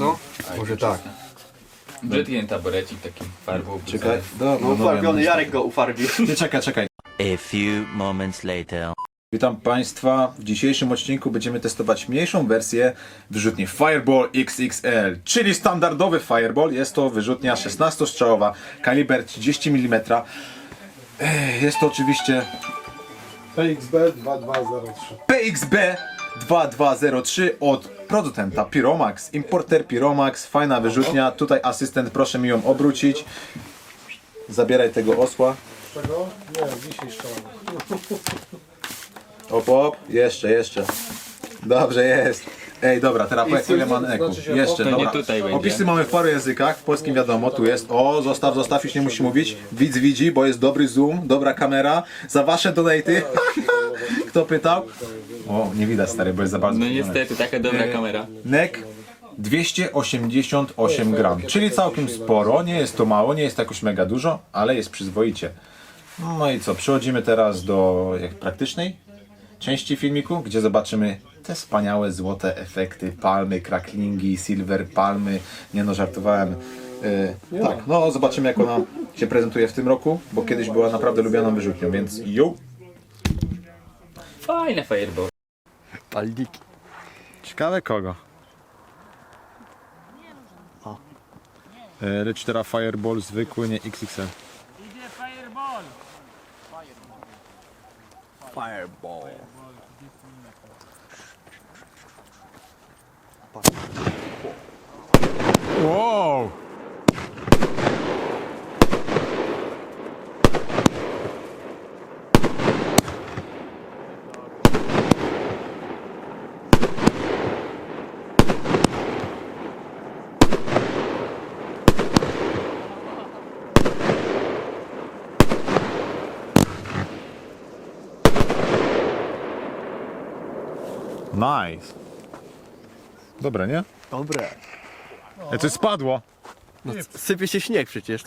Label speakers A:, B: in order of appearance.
A: Co? Może tak.
B: Brzydki ten taborecik taki farbą.
C: Czekaj,
A: No ufarbiony, Jarek go ufarbił.
C: Nie, czekaj.
D: A few moments later.
C: Witam Państwa. W dzisiejszym odcinku będziemy testować mniejszą wersję wyrzutni Fireball XXL, czyli standardowy Fireball. Jest to wyrzutnia 16-strzałowa, kaliber 30 mm. Jest to oczywiście
E: PXB 2203.
C: PXB 2203 od producenta Pyromax, importer Pyromax. Fajna wyrzutnia. Tutaj asystent, proszę mi ją obrócić. Zabieraj tego osła.
E: Czego? Nie, dzisiaj szczelamy.
C: Op, jeszcze. Dobrze jest. Ej, dobra, teraz powiedz ile ma neku.
E: znaczy się
C: Jeszcze,
B: To nie
C: dobra.
B: tutaj będzie.
C: Opisy mamy w paru językach, w polskim wiadomo, tu jest. O, zostaw, już nie musi mówić. Widz widzi, bo jest dobry zoom, dobra kamera. Za wasze donaty. Kto pytał? O, nie widać stary, bo jest za bardzo
B: No
C: skupiony.
B: niestety, taka dobra kamera.
C: Nek 288 gram, czyli całkiem sporo. Nie jest to mało, nie jest jakoś mega dużo, ale jest przyzwoicie. No i co, przechodzimy teraz do praktycznej części filmiku, gdzie zobaczymy te wspaniałe złote efekty, palmy, cracklingi, silver, palmy. Nie no, żartowałem. Tak, no zobaczymy jak ona się prezentuje w tym roku, bo kiedyś była naprawdę lubianą wyrzutnią, więc jo!
B: Fajne fireball.
A: Palniki.
C: Ciekawe kogo? Lecz teraz Fireball zwykły, nie XXL.
A: Fireball.
C: Wow! Nice. Dobre, nie?
A: Dobre.
C: Coś spadło.
A: No, sypie się śnieg przecież.